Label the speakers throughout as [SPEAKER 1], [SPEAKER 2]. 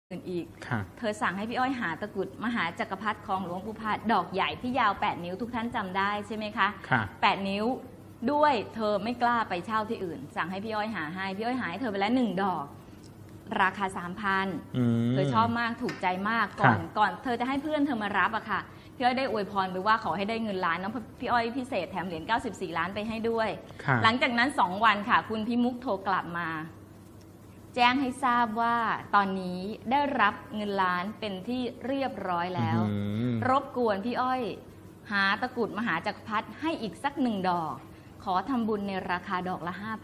[SPEAKER 1] อื่นอีกเธอสั่งให้พี่อ้อยหาตะกรุดมหาจักรพรรดิของหลวงปู่พาดดอกใหญ่ที่ยาว8 นิ้วทุกท่านจำได้ใช่ไหมคะ8 นิ้วด้วยเธอไม่กล้าไปเช่าที่อื่นสั่งให้พี่อ้อยหาให้พี่อ้อยหาให้เธอไปแล้ว1 ดอกราคา 3,000เธอชอบมากถูกใจมากก่อนเธอจะให้เพื่อนเธอมารับอะค่ะพี่อ้อยได้อวยพรไปว่าขอให้ได้เงินล้านน้องพี่อ้อยพิเศษแถมเหรียญ94 ล้านไปให้ด้วยหลังจากนั้น2 วันค่ะคุณพิมุกโทรกลับมาแจ้งให้ทราบว่าตอนนี้ได้รับเงินล้านเป็นที่เรียบร้อยแล้วรบกวนพี่อ้อยหาตะกรุดมหาจักรพรรดิให้อีกสัก1 ดอกขอทำบุญในราคาดอกละ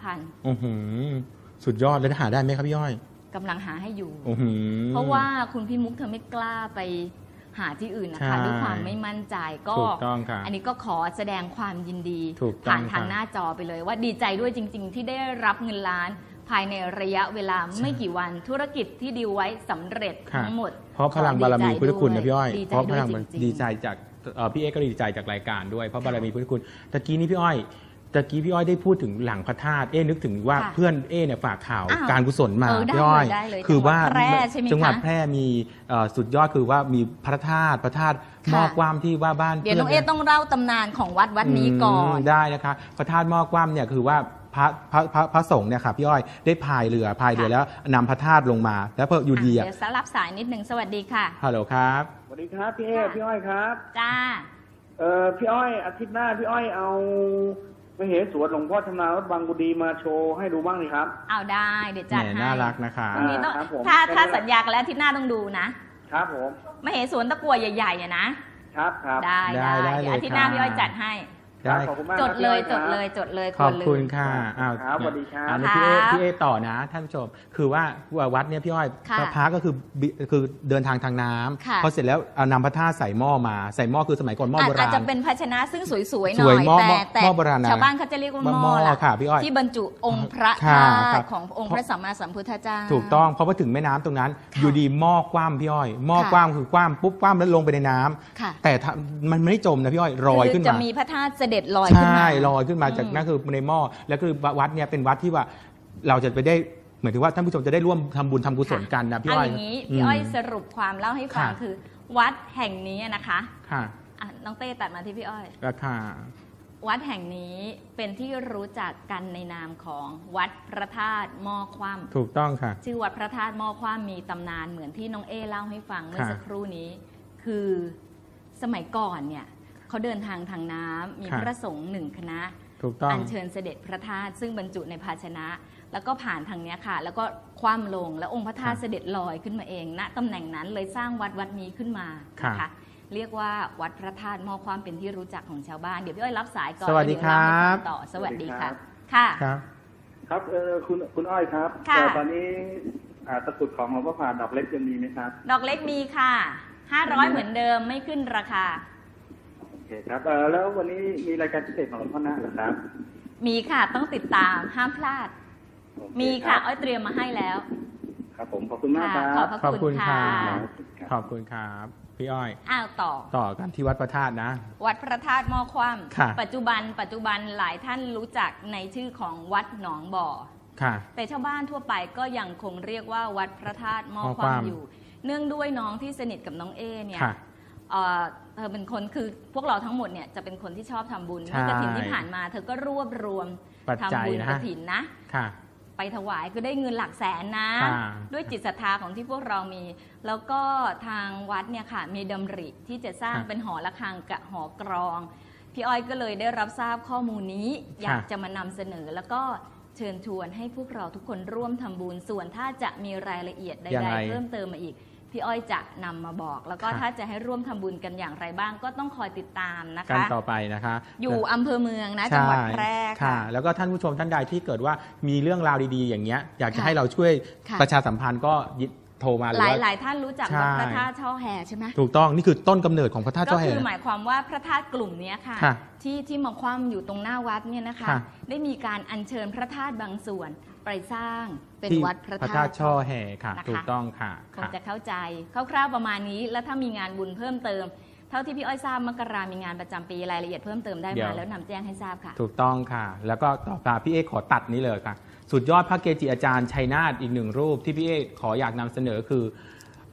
[SPEAKER 1] 5,000
[SPEAKER 2] สุดยอดแล้วหาได้ไหมครับพี่อ้อย
[SPEAKER 1] กำลังหาให้อยู่เพราะว่าคุณพี่มุกเธอไม่กล้าไปหาที่อื่นนะคะด้วยความไม่มั่นใจก็อันนี้ก็ขอแสดงความยินดีผ่านทางหน้าจอไปเลยว่าดีใจด้วยจริงๆที่ได้รับเงินล้านภายในระยะเวลาไม่กี่วันธุรกิจที่ดีลไว้สำเร็จทั้งหมด
[SPEAKER 2] เพราะพลังบารมีพุทธคุณนะพี่อ้อยเพราะพลัง
[SPEAKER 3] ดีใจจากพี่เอ๊ก็ดีใจจากรายการด้วยเพราะบารมีพุทธคุณตะกี้นี้พี่อ้อยได้พูดถึงหลังพระธาตุนึกถึงว่าเพื่อนเนี่ยฝากข่าวการกุศลมาพี่อ้อยคือว่าจังหวัดแพร่มีสุดยอดคือว่ามีพระธาตุหม้อกว้ามที่ว่าบ้าน
[SPEAKER 1] เดี๋ยวน้องต้องเล่าตำนานของวัดนี้ก่อน
[SPEAKER 2] ได้นะคะพระธาตุหม้อกว้ามเนี่ยคือว่าพระสงฆ์เนี่ยค่ะพี่อ้อยได้พายเรือแล้วนำพระธาตุลงมาแล้วพออยู่ดี
[SPEAKER 1] เดี๋ยวรับสายนิดหนึ่งสวัสดีค่ะ
[SPEAKER 2] ฮัลโหลครับ
[SPEAKER 4] สวัสดีครับพี่พี่อ้อยครับ
[SPEAKER 1] จ้า
[SPEAKER 4] พี่อ้อยอาทิตย์หน้าพี่อ้อยเอามเหสวนหลวงพ่อชำนาญวัดบางกุดีมาโชว์ให้ดูบ้างเลยครับ
[SPEAKER 1] เอาได้เดี๋ยวจัดให้
[SPEAKER 2] น่ารักนะคะ
[SPEAKER 1] ถ้าสัญญากันแล้วอาทิตย์หน้าต้องดูนะครับ
[SPEAKER 4] ผม
[SPEAKER 1] มเหสวนตะกั่วใหญ่ๆนะครับได้อาทิตย์หน้าพี่อ้อยจัดให้จดเลย
[SPEAKER 2] ขอบคุณค่ะ
[SPEAKER 4] ครับสวัสดีครับ
[SPEAKER 2] พี่เอต่อนะท่านผู้ชมคือว่าวัดเนี่ยพี่อ้อยพระก็คือเดินทางน้ำพอเสร็จแล้วนำพระธาตุใส่หม้อคือสมัยก่อนหม้อโบราณ
[SPEAKER 1] อาจจะเป็นภาชนะซึ่งสวยๆหน่อยแต่ชาวบ้านเขาจะเรียกว่าหม้อที่บรรจุองค์พระธาตุขององค์พระสัมมาสัมพุทธเจ้า
[SPEAKER 2] ถูกต้องเพราะว่าถึงแม่น้ำตรงนั้นอยู่ดีหม้อกว้ามพี่อ้อยหม้อกว้ามคือกว้ามปุ๊บกว้ามแล้วลงไปในน้ำแต่มันไม่ได้จมนะพี่อ้อยลอยขึ้นมา
[SPEAKER 1] จะมีพระธาตุเสด็จลอยขึ้นมา
[SPEAKER 2] ใช่ลอยขึ้นมาจากนั่นคือในหม้อแล้วคือวัดเนี่ยเป็นวัดที่ว่าเราจะไปได้เหมือนที่ว่าท่านผู้ชมจะได้ร่วมทำบุญทำกุศลกันนะพี่อ้อย
[SPEAKER 1] อย่างนี้พี่อ้อยสรุปความเล่าให้ฟังคือวัดแห่งนี้นะคะน้องเต้ตัดมาที่พี่อ้อยวัดแห่งนี้เป็นที่รู้จักกันในนามของวัดพระธาตุหม้อคว่ำ
[SPEAKER 2] ถูกต้องค่ะ
[SPEAKER 1] ชื่อวัดพระธาตุหม้อคว่ำมีตำนานเหมือนที่น้องเล่าให้ฟังเมื่อสักครู่นี้คือสมัยก่อนเนี่ยเขาเดินทางน้ำมีพระสงฆ์1 คณะอัญเชิญเสด็จพระธาตุซึ่งบรรจุในภาชนะแล้วก็ผ่านทางนี้ค่ะแล้วก็คว่ำลงแล้วองค์พระธาตุเสด็จลอยขึ้นมาเองณตำแหน่งนั้นเลยสร้างวัดนี้ขึ้นมานะคะเรียกว่าวัดพระธาตุหม้อคว่ำเป็นที่รู้จักของชาวบ้านเดี๋ยวพี่อ้อยรับสายก่อน
[SPEAKER 2] สวัสดีครับ
[SPEAKER 1] ต่อสวัสดีค่ะค่ะ
[SPEAKER 4] ครับคุณอ้อยครับตอนนี้ตะกรุดของหลวงพ่อผ่านดอกเล็กยังมีไหมครับ
[SPEAKER 1] ดอกเล็กมีค่ะ500เหมือนเดิมไม่ขึ้นราคา
[SPEAKER 4] โอเคครับแล้ววันนี้มีรายการพิเศษของหลวงพ่อนะหรือครับ
[SPEAKER 1] มีค่ะต้องติดตามห้ามพลาดมีค่ะอ้อยเตรียมมาให้แล้ว
[SPEAKER 4] ครับผมขอบคุณมากครับ
[SPEAKER 1] ขอบคุณค่ะ
[SPEAKER 2] ขอบคุณครับพี่อ้อย
[SPEAKER 1] ต่อ
[SPEAKER 2] กันที่วัดพระธาตุนะ
[SPEAKER 1] วัดพระธาตุหม้อคว่ำปัจจุบันหลายท่านรู้จักในชื่อของวัดหนองบ่อแต่ชาวบ้านทั่วไปก็ยังคงเรียกว่าวัดพระธาตุหม้อคว่ำอยู่เนื่องด้วยน้องที่สนิทกับน้องเนี่ยเธอเป็นคนคือพวกเราทั้งหมดเนี่ยจะเป็นคนที่ชอบทำบุญเมื่อกฐินที่ผ่านมาเธอก็รวบรวมทำบุญกฐินนะไปถวายคือได้เงินหลักแสนนะด้วยจิตศรัทธาของที่พวกเรามีแล้วก็ทางวัดเนี่ยค่ะมีดำริที่จะสร้างเป็นหอระฆังกับหอกรองพี่อ้อยก็เลยได้รับทราบข้อมูลนี้อยากจะมานำเสนอแล้วก็เชิญชวนให้พวกเราทุกคนร่วมทำบุญส่วนถ้าจะมีรายละเอียดใดๆเพิ่มเติมมาอีกพี่อ้อยจะนำมาบอกแล้วก็ถ้าจะให้ร่วมทำบุญกันอย่างไรบ้างก็ต้องคอยติดตามนะคะ
[SPEAKER 2] กันต่อไปนะคะ
[SPEAKER 1] อยู่อำเภอเมืองนะจังหวัดแพร่ค่ะ
[SPEAKER 2] แล้วก็ท่านผู้ชมท่านใดที่เกิดว่ามีเรื่องราวดีๆอย่างเงี้ยอยากจะให้เราช่วยประชาสัมพันธ์ก็โทรมา
[SPEAKER 1] หลายท่านรู้จักวัดพระธาตุช่อแห่ใช่ไหม
[SPEAKER 2] ถูกต้องนี่คือต้นกำเนิดของพระธาตุช่อแห่
[SPEAKER 1] ก็คือหมายความว่าพระธาตุกลุ่มนี้ค่ะที่มาคว่ำอยู่ตรงหน้าวัดเนี่ยนะคะได้มีการอัญเชิญพระธาตุบางส่วนไปสร้างเป็นวัดพระธาตุ
[SPEAKER 2] ช่อแห่ค่ะถูกต้องค่ะ
[SPEAKER 1] คงจะเข้าใจคร่าวๆประมาณนี้แล้วถ้ามีงานบุญเพิ่มเติมเท่าที่พี่อ้อยทราบมกรามีงานประจำปีรายละเอียดเพิ่มเติมได้มาแล้วนำแจ้งให้ทราบค่ะ
[SPEAKER 2] ถูกต้องค่ะแล้วก็ต่อมาพี่เอขอตัดนี้เลยค่ะสุดยอดพระเกจิอาจารย์ชัยนาทอีก1 รูปที่พี่เอขออยากนำเสนอคือ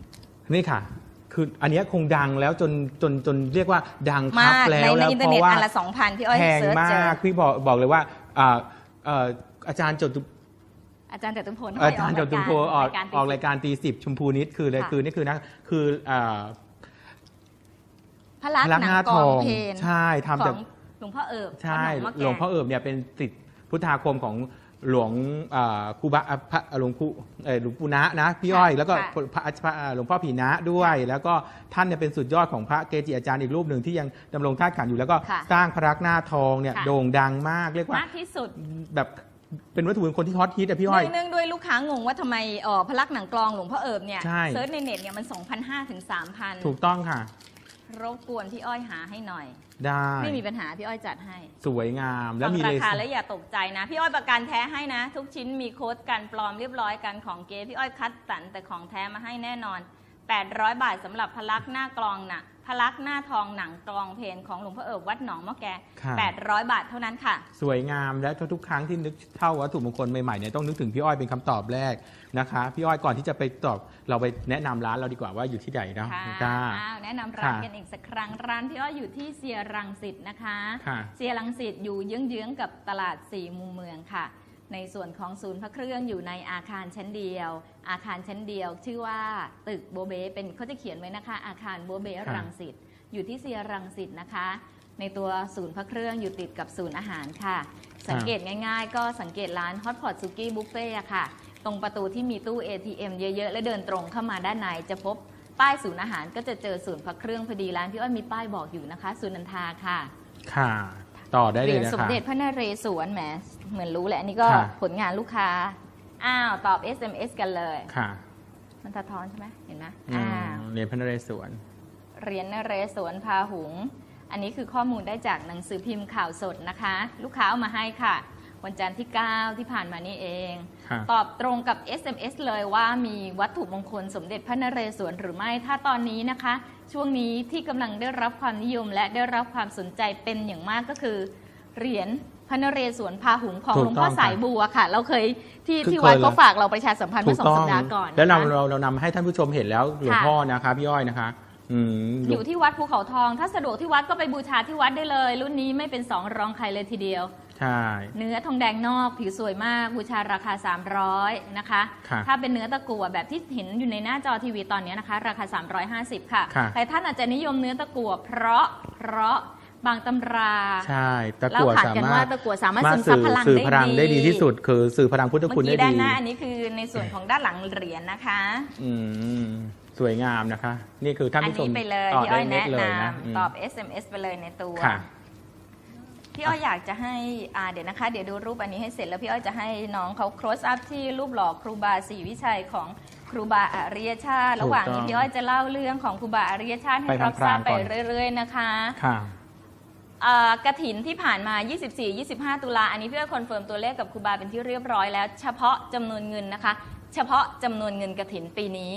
[SPEAKER 2] นี่ค่ะคืออันนี้คงดังแล้วจนเรียกว่าดังคับแล้ว
[SPEAKER 1] ในอินเทอร์เน็ตอันละ 2,000 พี่อ้อย
[SPEAKER 2] แพงมากพี่บอกเลยว่าอาจารย์จตุพลอาจารย์จตุพลออกรายการตี10ชมพูนิดคือเลยคือนี่คือนะคือ
[SPEAKER 1] พระลักษณ์หนังกองเพลน
[SPEAKER 2] ใช่ทำจาก
[SPEAKER 1] หลวงพ่อเอิบ
[SPEAKER 2] ใช่หลวงพ่อเอิบเนี่ยเป็นศิษย์พุทธาคมของหลวงครูบาหลวงปู่นะพี่อ้อยแล้วก็หลวงพ่อผีนะด้วยแล้วก็ท่านเนี่ยเป็นสุดยอดของพระเกจิอาจารย์อีกรูปหนึ่งที่ยังดำรงธาตุขันธ์อยู่แล้วก็สร้างพระลักษณ์หน้าทองเนี่ยโด่งดังมากเรียกว่าม
[SPEAKER 1] ากที่สุด
[SPEAKER 2] แบบเป็นวัตถุมงคลที่ฮอตฮิตอะพี่อ้อย
[SPEAKER 1] เนื่องด้วยลูกค้างงว่าทำไมพระลักษณ์หนังกลองหลวงพ่อเอิบเนี่ยเซิร์ชในเน็ตเนี่ยมัน 2,500 ถึง 3,000
[SPEAKER 2] ถูกต้องค่ะ
[SPEAKER 1] รบกวนพี่อ้อยหาให้หน่อย
[SPEAKER 2] ได้
[SPEAKER 1] ไม่มีปัญหาพี่อ้อยจัดให้
[SPEAKER 2] สวยงามแล้วมี
[SPEAKER 1] ราคาและอย่าตกใจนะพี่อ้อยประกันแท้ให้นะทุกชิ้นมีโค้ดกันปลอมเรียบร้อยกันของเก๊พี่อ้อยคัดสรรแต่ของแท้มาให้แน่นอน800 บาทสำหรับพระลักษณ์หน้ากลองน่ะพระลักษณ์หน้าทองหนังกลองเพลนของหลวงพ่อเอิบวัดหนองมะแก800 บาทเท่านั้นค่ะ
[SPEAKER 2] สวยงามและทุกครั้งที่นึกเท่าวัตถุมงคลใหม่ๆเนี่ยต้องนึกถึงพี่อ้อยเป็นคำตอบแรกนะคะพี่อ้อยก่อนที่จะไปตอบเราไปแนะนำร้านเราดีกว่าว่าอยู่ที่ไหนนะ
[SPEAKER 1] แนะนำร้านกันอีกสักครั้งร้านพี่อ้อยอยู่ที่เซียรังสิตนะคะเซียรังสิตอยู่เยื้องๆกับตลาด4 มุมเมืองค่ะในส่วนของศูนย์พระเครื่องอยู่ในอาคารชั้นเดียวชื่อว่าตึกโบเบเป็นเขาจะเขียนไว้นะคะอาคารโบเบรังสิตอยู่ที่เซียรังสิตนะคะในตัวศูนย์พระเครื่องอยู่ติดกับศูนย์อาหารค่ะสังเกตง่ายๆก็สังเกตร้านฮอตพอตซุกี้บุฟเฟ่ค่ะตรงประตูที่มีตู้ ATM เยอะๆและเดินตรงเข้ามาด้านในจะพบป้ายศูนย์อาหารก็จะเจอศูนย์พระเครื่องพอดีร้านพี่อ้อยมีป้ายบอกอยู่นะคะศูนย์นันทาค่ะ
[SPEAKER 2] ค่ะต่อได้เลยนะคะ
[SPEAKER 1] สมเด็จพระนเรศวรแหมเหมือนรู้แหละอันนี้ก็ผลงานลูกค้าตอบ SMS กันเลย
[SPEAKER 2] ค่ะ
[SPEAKER 1] มันสะท้อนใช่ไหมเห็นไหม
[SPEAKER 2] เหรียญพระนเรศวร
[SPEAKER 1] เหรียญนเรศวรพาหุงอันนี้คือข้อมูลได้จากหนังสือพิมพ์ข่าวสดนะคะลูกค้าเอามาให้ค่ะวันจันทร์ที่ 9 ที่ผ่านมานี่เองตอบตรงกับ SMS เลยว่ามีวัตถุมงคลสมเด็จพระนเรศวรหรือไม่ถ้าตอนนี้นะคะช่วงนี้ที่กำลังได้รับความนิยมและได้รับความสนใจเป็นอย่างมากก็คือเหรียญพระนเรศวรพาหุงของหลวงพ่อสายบัวค่ะเราเคยที่วัดก็ฝากเราประชาสัมพันธ์เมื่อ2 สัปดาห์ก่อน
[SPEAKER 2] แล้วเรานำให้ท่านผู้ชมเห็นแล้วหลวงพ่อนะคะพี่อ้อยนะคะ
[SPEAKER 1] อยู่ที่วัดภูเขาทองถ้าสะดวกที่วัดก็ไปบูชาที่วัดได้เลยรุ่นนี้ไม่เป็น2 รองใครเลยทีเดียว
[SPEAKER 2] ใช่
[SPEAKER 1] เนื้อทองแดงนอกผิวสวยมากบูชาราคา300นะคะถ้าเป็นเนื้อตะกั่วแบบที่เห็นอยู่ในหน้าจอทีวีตอนนี้นะคะราคา350ค่ะแต่ท่านอาจจะนิยมเนื้อตะกั่วเพราะบางตำรา
[SPEAKER 2] ใช่ตะกั่ว
[SPEAKER 1] สามารถซึมซับพลัง
[SPEAKER 2] ได้ดีที่สุดคือสื่อพลังพุทธคุณได้ดี
[SPEAKER 1] ด้านหน้าอันนี้คือในส่วนของด้านหลังเหรียญนะคะ
[SPEAKER 2] สวยงามนะคะนี่คือท่านผู้ชม
[SPEAKER 1] อันนี้ไปเลยพี่อ้อยแนะนำตอบ SMS ไปเลยในตัวพี่อ้อยอยากจะให้เดี๋ยวนะคะเดี๋ยวดูรูปอันนี้ให้เสร็จแล้วพี่อ้อยจะให้น้องเขา close up ที่รูปหล่อครูบาศรีวิชัยของครูบาอริยชาติระหว่างนี้พี่อ้อยจะเล่าเรื่องของครูบาอริยชาติให้รับทราบไปเรื่อยๆนะคะกฐินที่ผ่านมา 24-25 ตุลาอันนี้พี่อ้อยคอนเฟิร์มตัวเลขกับครูบาเป็นที่เรียบร้อยแล้วเฉพาะจำนวนเงินนะคะเฉพาะจำนวนเงินกฐินปีนี้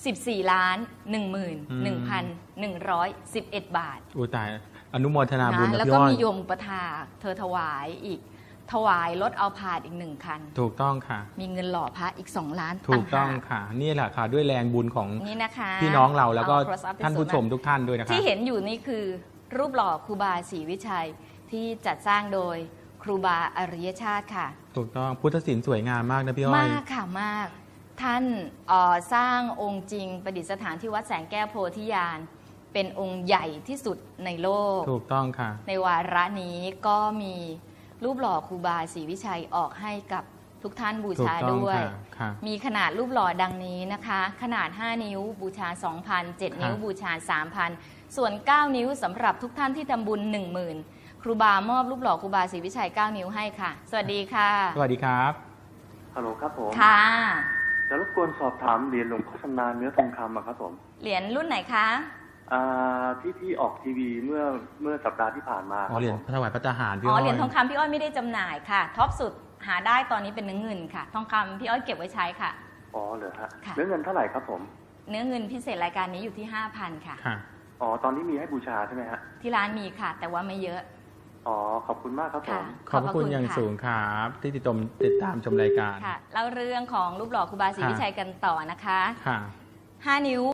[SPEAKER 1] 14,11,111 บาท
[SPEAKER 2] อู้ตายอนุโมทนาบุญนะ
[SPEAKER 1] แล้วก็มีโยมอุปถากเธอถวายอีกถวายรถเอาผาดอีก1 คัน
[SPEAKER 2] ถูกต้องค่ะ
[SPEAKER 1] มีเงินหล่อพระอีก2 ล้าน
[SPEAKER 2] ถูกต้องค่ะนี่แหละค่ะด้วยแรงบุญของพี่น้องเราแล้วก็ท่านผู้ชมทุกท่านด้วยนะคะ
[SPEAKER 1] ที่เห็นอยู่นี่คือรูปหล่อครูบาศรีวิชัยที่จัดสร้างโดยครูบาอริยชาติค่ะ
[SPEAKER 2] ถูกต้องพุทธศิลป์สวยงามมากนะพี่อ้อย
[SPEAKER 1] มากค่ะมากท่านสร้างองค์จริงประดิษฐานที่วัดแสงแก้วโพธิญาณเป็นองค์ใหญ่ที่สุดในโลก
[SPEAKER 2] ถูกต้องค่ะ
[SPEAKER 1] ในวาระนี้ก็มีรูปหล่อครูบาศรีวิชัยออกให้กับทุกท่านบูชาด้วยมีขนาดรูปหล่อดังนี้นะคะขนาด5 นิ้วบูชา 2,000 7 นิ้วบูชา 3,000 ส่วน9 นิ้วสำหรับทุกท่านที่ทำบุญ 10,000 ครูบามอบรูปหล่อครูบาศรีวิชัย9 นิ้วให้ค่ะสวัสดีค่ะ
[SPEAKER 2] สวัสดีครับ
[SPEAKER 4] ฮัลโหลครับผม
[SPEAKER 1] ค่ะ
[SPEAKER 4] จะรบกวนสอบถามเหรียญหลวงพ่อชำนาญเนื้อทองคำครับผม
[SPEAKER 1] เหรียญรุ่นไหนคะ
[SPEAKER 4] ที่ออกทีวีเมื่อสัปดาห์ที่ผ่านมา
[SPEAKER 2] เหรียญถวายพระทหาร
[SPEAKER 1] พี่อ้อยเหรียญทองคำพี่อ้อยไม่ได้จำหน่ายค่ะท็อปสุดหาได้ตอนนี้เป็นเนื้อเงินค่ะทองคำพี่อ้อยเก็บไว้ใช้ค่ะ
[SPEAKER 4] อ๋อเหรอฮะเนื้อเงินเท่าไหร่ครับผม
[SPEAKER 1] เนื้อเงินพิเศษรายการนี้อยู่ที่ 5,000 ค่ะ
[SPEAKER 4] อ๋อตอนนี้มีให้บูชาใช่ไหมฮะ
[SPEAKER 1] ที่ร้านมีค่ะแต่ว่าไม่เยอะ
[SPEAKER 4] อ๋อขอบคุณมากครับผม
[SPEAKER 2] ขอบคุณอย่างสูงครับที่ติดตามชมรายการ
[SPEAKER 1] ค่ะเล่าเรื่องของรูปหล่อครูบาศรีวิชัยกันต่อนะคะ5 นิ้ว